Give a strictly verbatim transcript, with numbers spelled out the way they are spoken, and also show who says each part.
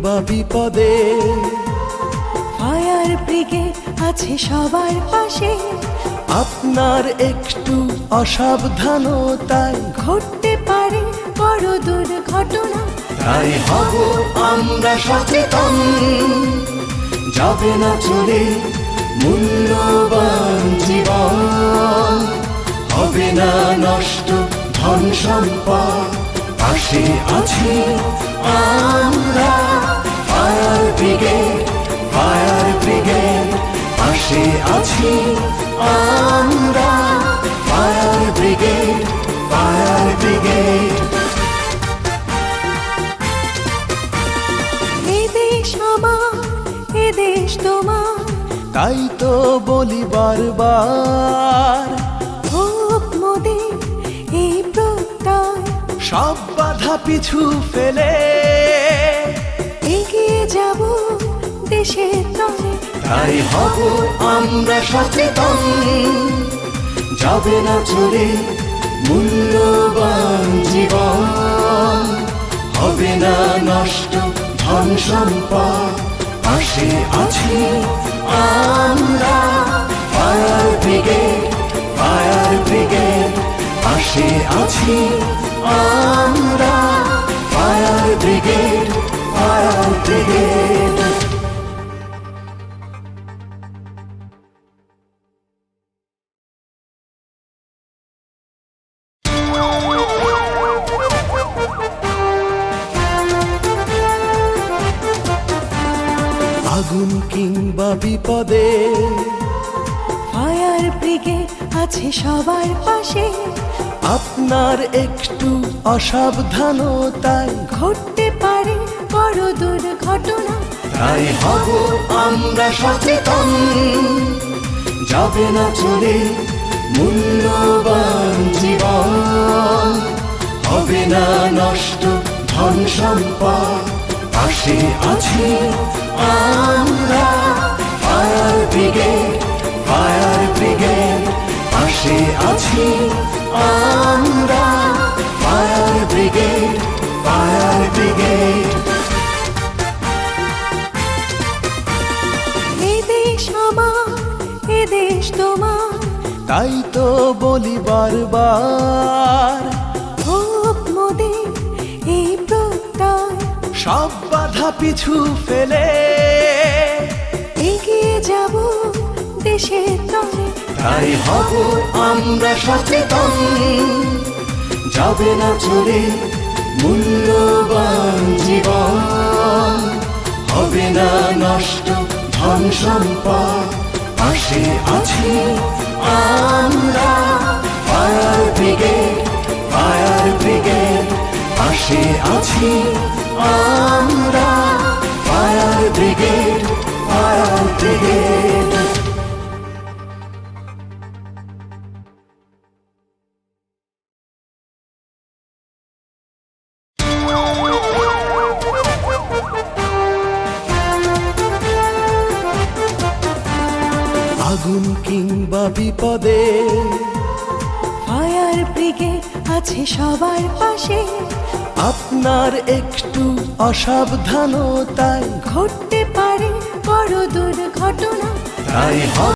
Speaker 1: কিংবা বিপদে
Speaker 2: fire brigade আছে সবার পাশে।
Speaker 1: আপনার একটু অসাবধানতায়
Speaker 2: ঘটতে পারে বড় দুর্ঘটনা।
Speaker 1: তাই হব আমরা সচেতন, যাবে না চলে মূল্যবান জীবন, হবে না নষ্ট ধন সম্পদ। পাশে আছি আমরা ফায়ার ব্রিগেড, ফায়ার ব্রিগেড, পাশে আছি আমরা ফায়ার ব্রিগেড, ফায়ার ব্রিগেড।
Speaker 2: এ দেশ আমার, এ দেশ তোমার,
Speaker 1: তাই তো বলি বারবার,
Speaker 2: হোক মোদের এই প্রত্যয়।
Speaker 1: সব বাধা পিছু ফেলে
Speaker 2: এগিয়ে যাব দেশের তরে।
Speaker 1: তাই হব আমরা সচেতন, যাবে না চলে মূল্যবান জীবন, হবে না নষ্ট ধন সম্পদ। পাশে আছি আমরা ফায়ার ব্রিগেড, ফায়ার ব্রিগেড, পাশে আছি আমরা ফায়ার ব্রিগেড, ফায়ার ব্রিগেড। আগুন কিংবা বিপদে
Speaker 2: ফায়ার ব্রিগেড আছে সবার পাশে।
Speaker 1: আপনার একটু অসাবধানতায়
Speaker 2: ঘটতে পারে বড় দুর্ঘটনা।
Speaker 1: তাই হব আমরা সচেতন, যাবে না চলে মূল্যবান জীবন, হবে না নষ্ট ধন সম্পদ। পাশে আছি আমরা ফায়ার ব্রিগেড, ফায়ার ব্রিগেড, পাশে আছি আমরা ফায়ার ব্রিগেড, ফায়ার ব্রিগেড।
Speaker 2: এ দেশ আমার, এ দেশ তোমার,
Speaker 1: তাই তো বলি বারবার,
Speaker 2: হোক মোদের এই প্রত্যয়।
Speaker 1: সব বাধা পিছু ফেলে
Speaker 2: এগিয়ে যাব দেশের তরে।
Speaker 1: তাই হব আমরা সচেতন, যাবে না চলে মূল্যবান জীবন, হবে না নষ্ট ধন সম্পদ। পাশে আছি আমরা ফায়ার ব্রিগেড, ফায়ার ব্রিগেড, পাশে আছি আমরা ফায়ার ব্রিগেড, ফায়ার ব্রিগেড। আগুন কিংবা বিপদে
Speaker 2: ফায়ার ব্রিগেড আছে সবার পাশে।
Speaker 1: আপনার একটু অসাবধানতায়
Speaker 2: ঘটতে পারে বড় দুর্ঘটনা।
Speaker 1: তাই